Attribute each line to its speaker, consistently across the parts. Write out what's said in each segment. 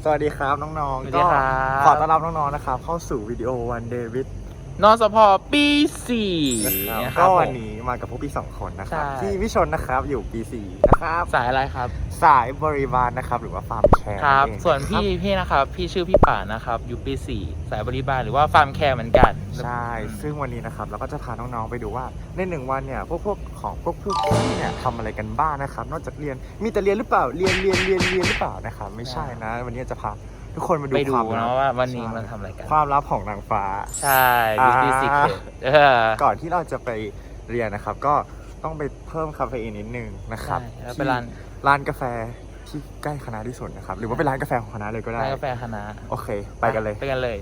Speaker 1: สวัสดีครับน้องๆก็ขอต้อนรับน้องๆนะครับเข้าสู่วิดีโอวันเดวิด
Speaker 2: นสพปี4
Speaker 1: นะครับก็วันนี้มากับพวกพี่2คนนะครับพี่วิชนนะครับอยู่ปี4นะครับ
Speaker 2: สายอะไรครับ
Speaker 1: สายบริบาลนะครับหรือว่าฟาร์มแคร์
Speaker 2: ครับส่วนพี่นะครับพี่ชื่อพี่ป่านะครับอยู่ปี4สายบริบาลหรือว่าฟาร์มแคร์เหมือนกัน
Speaker 1: ใช่ซึ่งวันนี้นะครับเราก็จะพาน้องๆไปดูว่าใน1วันเนี่ยพวกพี่เนี่ยทำอะไรกันบ้างนะครับนอกจากเรียนมีแต่เรียนหรือเปล่าเรียนหรือเปล่านะครับไม่ใช่นะวันนี้จะพาทุกคนมาดูความลับ
Speaker 2: ว่าวันนี้มันทำอะไรกัน
Speaker 1: ความลับของนางฟ้า
Speaker 2: ใช่ Beauty Secret
Speaker 1: ก่อนที่เราจะไปเรียนนะครับก็ต้องไปเพิ่มคาเฟอีนนิดนึงนะครับ
Speaker 2: แล้วเป็น
Speaker 1: ร้านกาแฟที่ใกล้คณะที่สุดนะครับหรือว่าเป็นร้านกาแฟของคณะเลยก็ได้
Speaker 2: ร้านกาแฟคณะ
Speaker 1: โอเคไปกันเลย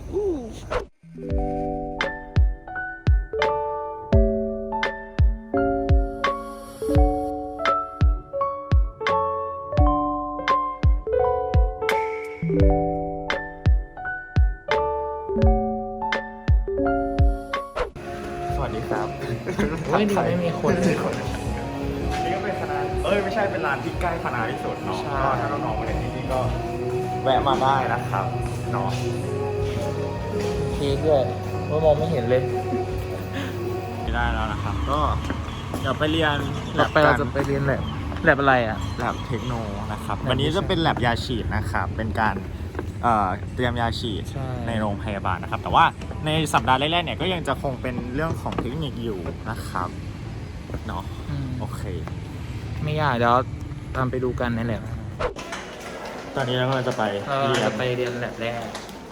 Speaker 1: สวัสดีครับ
Speaker 2: ไม่มีคน
Speaker 1: นี่ก็เป็นคณะไม่ใช่เป็นร้านที่ใกล้คณะที่สุดเนาะก็ถ้าน้องๆมาเรียนที่นี่ก็แวะมาได้นะครับเนาะ
Speaker 2: พีคเลยว่ามองไม่เห็นเลย
Speaker 1: ได้แล้วนะครับก็เดี๋ยวไปเรียน
Speaker 2: เราจะไปเรียนแลบอะไรอ่ะ
Speaker 1: แลบเทคโนนะครับวันนี้จะเป็นแลบยาฉีดนะครับเป็นการเตรียมยาฉีดในโรงพยาบาลนะครับแต่ว่าในสัปดาห์แรกๆเนี่ยก็ยังจะคงเป็นเรื่องของเทคนิคอยู่นะครับเนาะโอเค
Speaker 2: ไม่ยากเดี๋ยวตามไปดูกันในแลบ
Speaker 1: ตอนนี้เราก็จะไปเ
Speaker 2: รียนแลบแรก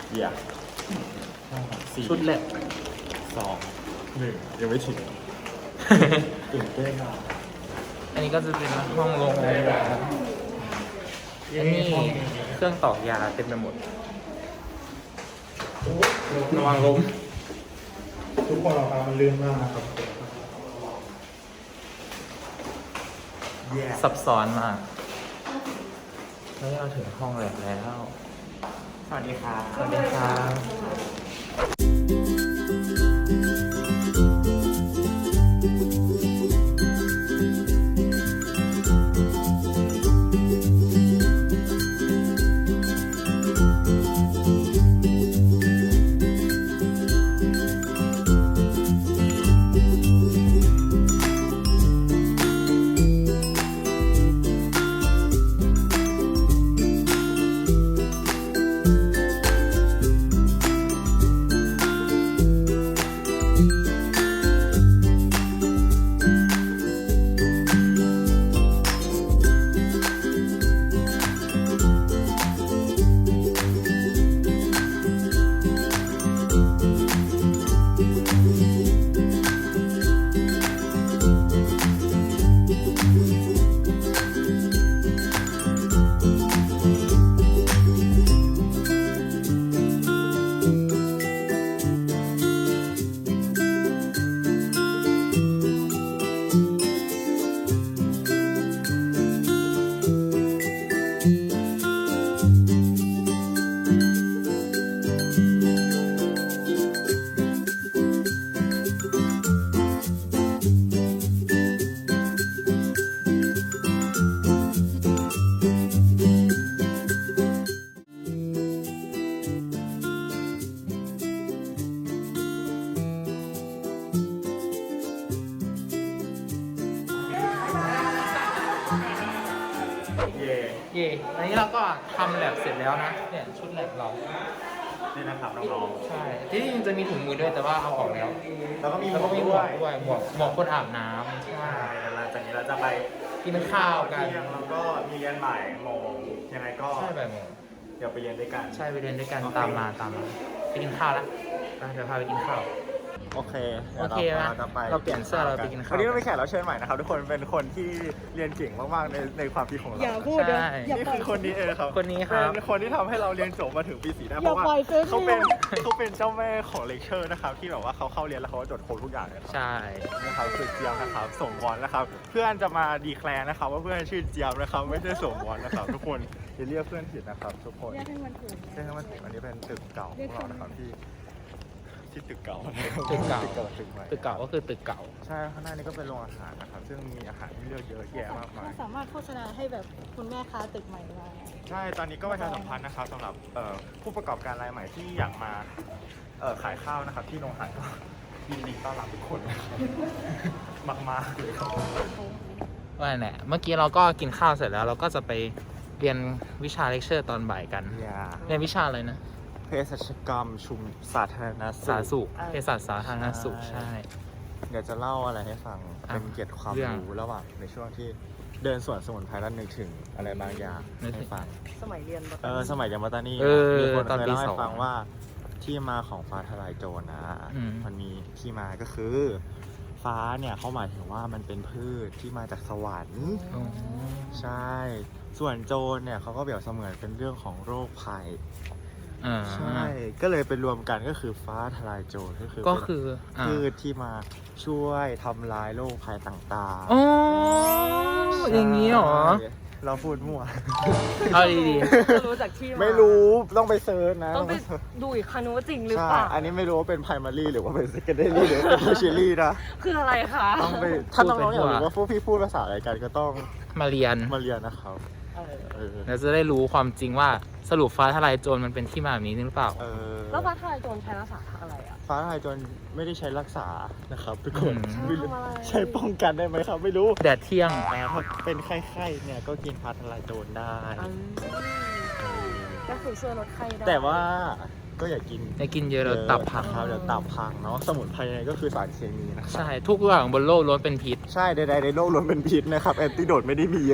Speaker 2: ชุดแลบ
Speaker 1: 2 1ยังไม่ถึงตื่นเต้น
Speaker 2: อันนี้ก็จะเป็นห้องโรงพยาบาลอันนี้เครื่องตอกยาเต็มไปหมดระวังล้ม
Speaker 1: ทุกคนเรามันลื่นมากนะครับ
Speaker 2: ซับซ้อนมากแล้วเราถึงห้องแล้ว
Speaker 1: สวัสดีครับ
Speaker 2: สวัสดีครับอันนี้เราก็ทำแลบเสร็จแล้วนะเนี่ยชุดแลบเรา
Speaker 1: นี่นะครับน้อง
Speaker 2: ๆใช่ที่จริงจะมีถุงมือด้วยแต่ว่าเอาออกแล้ว
Speaker 1: แล้วก็มีหมวก
Speaker 2: ด้วยหมวกคนอาบน้ำ
Speaker 1: ใช่หลังจากนี้เราจะไป
Speaker 2: กินข้าวกัน
Speaker 1: แล้วก็มีเรียนบ่ายโมงยังไงก็
Speaker 2: ใช่บ่ายโมง
Speaker 1: เดี๋ยวไปเรียนด้วยกัน
Speaker 2: ใช่ไปเรียนด้วยกันตามมาไปกินข้าวแล้วเดี๋ยวพาไปกินข้าว
Speaker 1: โอเค
Speaker 2: นะเราเปลี่ยนเสื้อเราไปกินข้าว
Speaker 1: วันนี้เราไปแขกรับเชิญใหม่นะครับทุกคนเป็นคนที่เรียนเก่งมากๆในความคิดของเรา
Speaker 3: อย่าพูดเลย
Speaker 1: นี่คือคนนี้เองครับ
Speaker 2: คนนี้ครับ
Speaker 1: เป็นคนที่ทำให้เราเรียนจบมาถึงปี4ได้เพราะว่าเขาเป็นเจ้าแม่ของเลคเชอร์นะครับที่แบบว่าเขาเข้าเรียนแล้วเขาจดโค้ดทุกอย่างเลย
Speaker 2: ใช่
Speaker 1: นะครับคือเจียมนะครับส่งบอลนะครับเพื่อนจะมาดีแคลร์นะครับว่าเพื่อนชื่อเจียมนะครับไม่ใช่ส่งบอลนะครับทุกคนอย่าเรียกเพื่อนผิดนะครับทุกคนเรียกให้มันถูกอันนี้เป็นตึกเก่าของเรานะครับที่ที่ตึกเก่า
Speaker 2: ตึกเก่า
Speaker 1: ตึกใหม่
Speaker 2: ตึกเก่าก็คือตึกเก่า
Speaker 1: ใช่ข้างหน้านี่ก็เป็นโรงอาหารนะครับซึ่งมีอาหารที่เลือกเยอะแยะมากมาย
Speaker 3: สามารถโฆษณาให้แบบคุณแม่ค้าตึกใหม่ได้
Speaker 1: ใช่ตอนนี้ก็ประชาสัมพันธ์นะครับสำหรับผู้ประกอบการรายใหม่ที่อยากมาขายข้าวนะครับที่โรงอาหารก็ยินดีต้อนรับทุกคนนะครับมากๆเลยครับ
Speaker 2: ว่าแหละเมื่อกี้เราก็กินข้าวเสร็จแล้ว เราก็จะไปเรียนวิชาเลคเชอร์ตอนบ่ายกัน
Speaker 1: อย่า
Speaker 2: เรียนวิชาอะไรนะ
Speaker 1: เภสัชกรรมชุมสาธารณ
Speaker 2: สาธารณสุขเภสัชสาธารณสุขใช่
Speaker 1: เดี๋ยวจะเล่าอะไรให้ฟัง
Speaker 2: อ่ะ
Speaker 1: เป็นเกียรติความ
Speaker 2: เรื่อง
Speaker 1: รู้ระหว่างในช่วงที่เดินสวนสมุนไพรแล้วนึกถึงอะไรบางอย่าง
Speaker 2: นึกถึ
Speaker 1: ให้
Speaker 2: ง
Speaker 1: ฟัง
Speaker 3: สมัยเรียน
Speaker 1: สมัยยังมาตานี่
Speaker 2: เออ
Speaker 1: มีคน
Speaker 2: ตอน
Speaker 1: เคย
Speaker 2: ปี
Speaker 1: เล่าให้
Speaker 2: สอง
Speaker 1: ฟังว่าที่มาของฟ้าทลายโจรนะ
Speaker 2: อืม
Speaker 1: มันมีที่มาก็คือ ฟ้าเนี่ยเขาหมายถึงว่ามันเป็นพืชที่มาจากสวรรค์
Speaker 2: อ๋อ
Speaker 1: ใช่ ส่วนโจรเนี่ยเขาก็เปรียบเสมือนเป็นเรื่องของโรคภัย
Speaker 2: อ่า
Speaker 1: ใช่ ก็เลยเป็นรวมกันก็คือฟ้าทลายโจรก็คือ
Speaker 2: ก็
Speaker 1: เป็น
Speaker 2: คืออ่า
Speaker 1: พืชที่มาช่วยทำลายโรคภัยต่าง
Speaker 2: อ๋อ
Speaker 1: ๆ
Speaker 2: อย่างนี้เหรอ
Speaker 1: ใช่เราพูดมั่ว
Speaker 2: เอาดี
Speaker 3: รู้จากที่
Speaker 1: ไม่รู้ต้องไปเซิร์ชนะ
Speaker 3: ต้องไป
Speaker 1: เสิร์ช
Speaker 3: ดูอีกครั้งนึงว่าจริงหรือ
Speaker 1: ใช่
Speaker 3: เปล่า
Speaker 1: อันนี้ไม่รู้ว่าเป็น primary หรือว่าเป็น secondary หรือว่าเป็น tertiary นะ
Speaker 3: คืออะไรคะ
Speaker 1: ต้องไปถ้าน้องๆอยากรู้ว่าพวกพี่พูดภาษาอะไรกันก็ต้อง
Speaker 2: ๆ มาเรียน
Speaker 1: มาเรียนนะครับ
Speaker 3: เออ
Speaker 1: เออ
Speaker 2: เราจะได้รู้ความจริงว่าสรุปฟ้าทลายโจรมันเป็นที่มาแบบนี้หรือเปล่า
Speaker 1: เออ
Speaker 3: แล้วฟ้าทลายโจรใช้รักษาอะไรอ่ะ
Speaker 1: ฟ้าทลายโจรไม่ได้ใช้รักษานะครับทุกคน
Speaker 2: อืม
Speaker 1: ไม่รู้
Speaker 3: ทำอะไร
Speaker 1: ใช้ป้องกันได้ไหมครับ ไม่รู้
Speaker 2: แดดเที่ยง
Speaker 1: ถ้าเป็นไข้ๆเนี่ยก็กินฟ้าทลายโจรได้
Speaker 3: ก็คือช่วยลดไข้ได้
Speaker 1: แต่ว่าก็อย่ากิน
Speaker 2: จะกินเยอะแล้วตับพัง
Speaker 1: ครับเดี๋ยวตับพังเนาะสมุนไพรยังไงก็คือสารเคมีนะครับ
Speaker 2: ใช่ ทุกอย่างบนโลกล้วนเป็นพิษ
Speaker 1: ใช่ใดๆในโลกล้วนเป็นพิษนะครับแอนติโดดไม่ได้มีเยอะ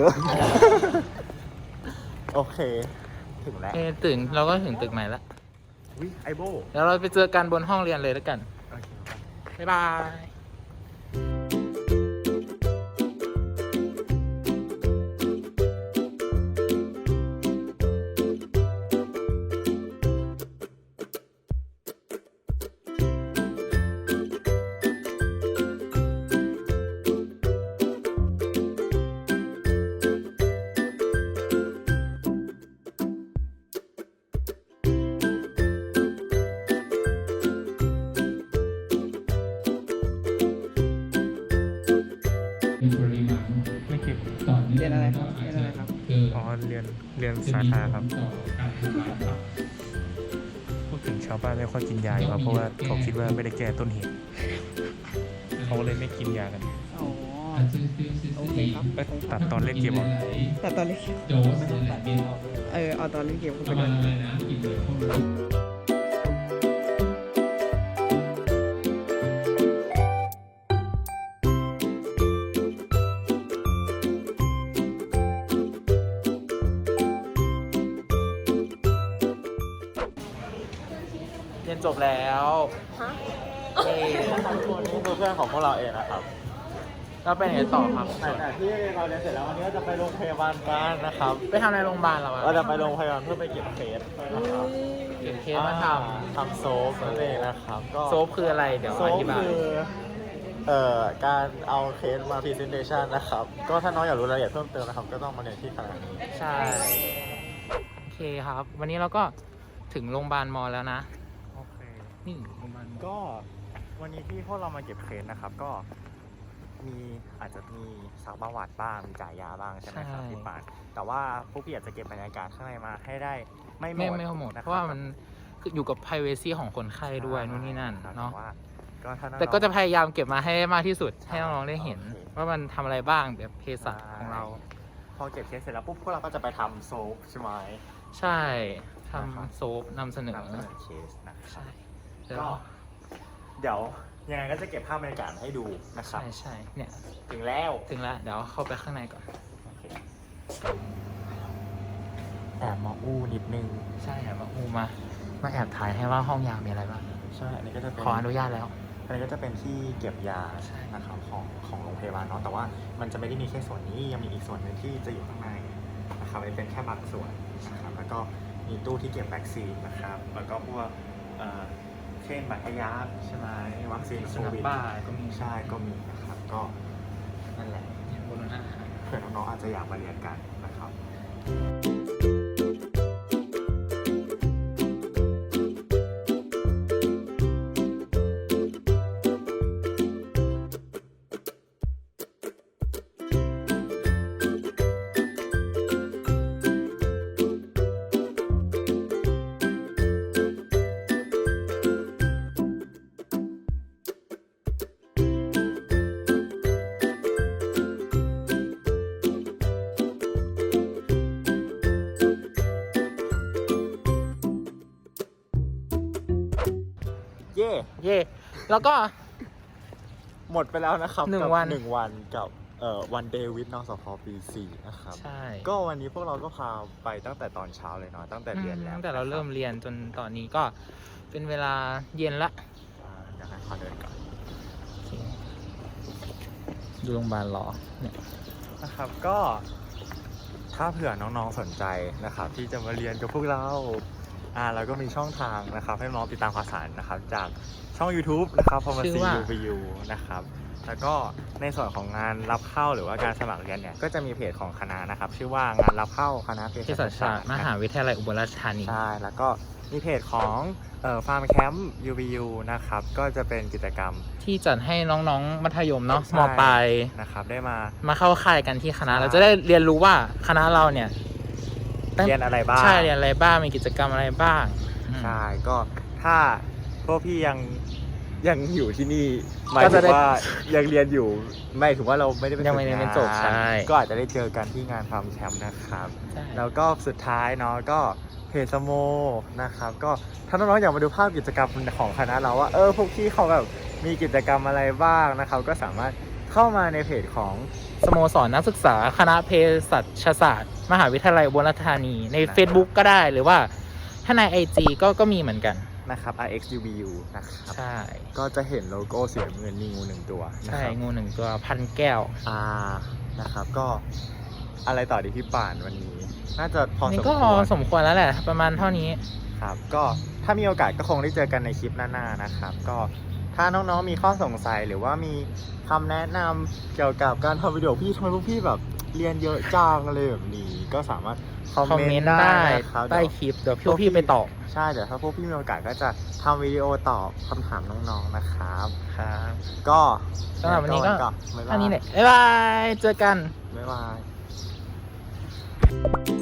Speaker 1: โอเค ถึงแล้ว
Speaker 2: ตื่นเราก็ถึงตึกใหม่แล้ว
Speaker 1: วิไอโบ
Speaker 2: แล้วเราไปเจอกันบนห้องเรียนเลยแล้วกัน
Speaker 1: โอเคครับ
Speaker 2: บ๊ายบาย
Speaker 4: เป็นปริมาณ
Speaker 1: ไม่คิด
Speaker 4: ต่อเนื่อง
Speaker 1: เรียนอะไรครับ
Speaker 4: ก็าจ
Speaker 1: เรียนอะไรครับ
Speaker 4: เกิด
Speaker 1: อ๋อเรียน
Speaker 4: จะ
Speaker 1: สา
Speaker 4: มี
Speaker 1: ธารณะครับ
Speaker 4: ผลต่อการทำลายตับ
Speaker 1: พูดถึงชาวบ้านไม่ค่อยกินยาดีกว่าเพราะว่าเขาคิดว่าไม่ได้แก้ต้นเหตุเขาเลยไม่กินยากัน
Speaker 3: อ๋อ
Speaker 4: โอเคครับ
Speaker 1: ตัดตอนเล่นเกมออก
Speaker 3: แต่ตอนเล็ก
Speaker 4: โดสเนี่ยเป็น
Speaker 3: เอาตอนเล่นเกม
Speaker 4: ประมาณอะไรนะกินเลยพวกนี้
Speaker 2: เรียนจบแล้ว
Speaker 3: ฮะ
Speaker 1: นี่คือเพื่อนของพวกเราเองนะครับ
Speaker 2: เราไปไหนต่อครับ
Speaker 1: แต่ที่เราเรียนเสร็จแล้ววันนี้ก็จะไปโรงพยาบาลกันนะครับ
Speaker 2: ไปทำในโรงพยาบาลเราอะ
Speaker 1: เราจะไปโรงพยาบาลเพื่อไปเก็บเคส
Speaker 2: เก็บเคสมาท
Speaker 1: ทำโซฟนั่นเองนะครับก็
Speaker 2: ำโซฟคืออะไร เดี๋ยว
Speaker 1: โซ
Speaker 2: อ
Speaker 1: ฟ
Speaker 2: ธิบาย
Speaker 1: คือการเอาเคสมา presentation นะครับ ก็ถ้าน้องอยากรู้รายละเอียดเพิ่มเติมนะครับ ก็ต้องมาเรียนที่คณะนี้
Speaker 2: ใช่ โอเคครับ วันนี้เราก็ถึงโรงพยาบาลมอแล้วนะ
Speaker 1: โอเค
Speaker 2: นี่โรงพยาบาลมอ
Speaker 1: ก็วันนี้ที่พวกเรามาเก็บเคสนะครับ ก็อาจจะมีสักประวัติบ้างมีจ่ายยาบ้างใช่ไหมครับพี่ปานแต่ว่าพวกพี่อยากจะเก็บบรรยากาศข้างในมาให้ได้ไม่หมด
Speaker 2: ไม่หมด
Speaker 1: นคบ
Speaker 2: เพราะว่ามันคืออยู่กับ privacy ของคนไข้ด้วยนู่นนี่นั่น
Speaker 1: ครับ
Speaker 2: เนาะ
Speaker 1: แต่ว่าก็ถ้าน้องๆ
Speaker 2: แต่ก็จะพยายามเก็บมาให้มากที่สุด ให้น้องๆได้เห็น
Speaker 1: โอเค
Speaker 2: ว่ามันทำอะไรบ้างแบบเภสัชของเรา
Speaker 1: พอเก็บเคสเสร็จแล้วปุ๊บพวกเราก็จะไปทำโซฟใช่ไหม
Speaker 2: ใช่ทำโซฟนำเสนอ
Speaker 1: นำเสนอเคสนะครับ
Speaker 2: ใช่แล้ว
Speaker 1: ก็เดี๋ยวยังไงก็จะเก็บภาพบรรยากาศมาให้ดูนะครับ
Speaker 2: ใช่เนี่ย
Speaker 1: ถึงแล้ว
Speaker 2: ถึงแล้ว เดี๋ยวเข้าไปข้างในก่อน
Speaker 1: โอเคแอบมาอู้นิดนึง
Speaker 2: ใช่ครับมาแอบถ่ายให้ว่าห้องยามีอะไรบ้าง
Speaker 1: ใช่อันนี้ก็จะเป็น
Speaker 2: ขออนุญาตแล้ว
Speaker 1: อันนี้ก็จะเป็นที่เก็บยา
Speaker 2: ใช่
Speaker 1: นะครับของโรงพยาบาลเนาะแต่ว่ามันจะไม่ได้มีแค่ส่วนนี้ยังมีอีกส่วนหนึ่งที่จะอยู่ข้างในนะครับอันนี้เป็นแค่บางส่วนนะครับแล้วก็มีตู้ที่เก็บวัคซีนนะครับแล้วก็พวกเช่นบัตรทะยักใช่ไหมวัคซีนโควิด
Speaker 2: บ้าก็มี
Speaker 1: ใช่ก็มีนะครับก็นั่นแหละ
Speaker 2: บนนั้น
Speaker 1: เผื่อน้องๆอาจจะอยากมาเรียนกันนะครับ
Speaker 2: เย่แล้วก็
Speaker 1: หมดไปแล้วนะครับ
Speaker 2: หนึ่ง
Speaker 1: กับ
Speaker 2: วัน
Speaker 1: 1 วันกับวันเดวิดนสพปี 4 นะครับ
Speaker 2: ใช่
Speaker 1: ก็วันนี้พวกเราก็พาไปตั้งแต่ตอนเช้าเลยเนาะตั้งแต่เรียนแล้ว
Speaker 2: ตั้งแต่เราเริ่มเรียนจนตอนนี้ก็เป็นเวลาเย็นละ
Speaker 1: อยากให้ขอเดินก่อน
Speaker 2: โอเคดูโรงพยาบาลรอเนี่ย
Speaker 1: นะครับก็ถ้าเผื่อน้องๆสนใจนะครับที่จะมาเรียนกับพวกเราเราก็มีช่องทางนะครับให้น้องติดตามข่าวสารนะครับจากช่อง YouTube นะครับ Pharmacy UVU นะครับแล้วก็ในส่วนของงานรับเข้าหรือว่าการสมัครเรียนเนี่ยก็จะมีเพจของคณะนะครับชื่อว่างานรับเข้าคณะเภ
Speaker 2: เภ
Speaker 1: สั
Speaker 2: สั
Speaker 1: ช
Speaker 2: ช
Speaker 1: ศา
Speaker 2: ศา
Speaker 1: ส
Speaker 2: ส
Speaker 1: ต
Speaker 2: ต
Speaker 1: ร์
Speaker 2: ร์มหาวิทยาลัยอุบลราชธานี
Speaker 1: ใช่แล้วก็มีเพจของฟาร์มแคมป์ UVU นะครับก็จะเป็นกิจกรรม
Speaker 2: ที่จัดให้น้องๆมัธยมเนาะ
Speaker 1: ใช่
Speaker 2: มปลาย
Speaker 1: นะครับได้มา
Speaker 2: มาเข้าค่ายกันที่คณะ
Speaker 1: ใช่
Speaker 2: เราจะได้เรียนรู้ว่าคณะเราเนี่ย
Speaker 1: เรียนอะไรบ้าง
Speaker 2: ใช่เรียนอะไรบ้างมีกิจกรรมอะไรบ้างอืม
Speaker 1: ใช่ก็ถ้าพวกพี่ยังอยู่ที่นี่หมาย
Speaker 2: ก็
Speaker 1: ถึ
Speaker 2: จะ
Speaker 1: ง
Speaker 2: ได้
Speaker 1: ว่ายังเรียนอยู่ไม่ถึงว่าเราไม่ได้ไป
Speaker 2: ยังไม่ได้
Speaker 1: ฝึกงาน
Speaker 2: จบใช่
Speaker 1: ก็อาจจะได้เจอกันที่งานฟาร์มแคมป์นะครับ
Speaker 2: ใช่
Speaker 1: แล้วก็สุดท้ายเนาะก็เพจสโมนะครับก็ถ้าน้องๆอยากมาดูภาพกิจกรรมของคณะเราว่าพวกพี่เขาแบบมีกิจกรรมอะไรบ้างนะครับก็สามารถเข้ามาในเพจของ
Speaker 2: สโมสรนักศึกษาคณะเภสัชศาสตร์มหาวิทยาลัยอุบลราชธานีใน Facebook ก็ได้หรือว่าถ้าใน IG ก็มีเหมือนกัน
Speaker 1: นะครับ RXUBU นะครับ
Speaker 2: ใช่
Speaker 1: ก็จะเห็นโลโก้สีน้ำเงินมีงูหนึ่งตัวนะ
Speaker 2: ใช่
Speaker 1: ครับ
Speaker 2: งูหนึ่งตัวพันแก้ว
Speaker 1: นะครับก็อะไรต่อดีพี่ป่านวันนี้ น่าจะพอส
Speaker 2: นี่
Speaker 1: ม
Speaker 2: ก็
Speaker 1: ควร
Speaker 2: สมควรแล้วแหละประมาณเท่านี้
Speaker 1: ครับก็ถ้ามีโอกาสก็คงได้เจอกันในคลิปหน้าๆนะครับก็ถ้าน้องๆมีข้อสงสัยหรือว่ามีคำแนะนำเกี่ยวกับการทำวิดีโอพี่ทำไมพวกพี่แบบเรียนเยอะจังอะไรแบบนี้ก็สามารถคอม
Speaker 2: คอม
Speaker 1: เม
Speaker 2: เม
Speaker 1: น
Speaker 2: น
Speaker 1: ต์
Speaker 2: ต์
Speaker 1: ได้
Speaker 2: ได้
Speaker 1: นะครับ
Speaker 2: ใต้คลิปเดี๋ยวพี่ไปตอบ
Speaker 1: ใช่เดี๋ยวถ้าพวกพี่มีโอกาสก็จะทำวิดีโอตอบคำถามน้องๆนะครับ
Speaker 2: ครับ
Speaker 1: ก็
Speaker 2: สำหรับวันนี้ก็
Speaker 1: บ๊ายบาย
Speaker 2: เท่านี้แหละบ๊ายบายเจอกัน
Speaker 1: บ๊ายบาย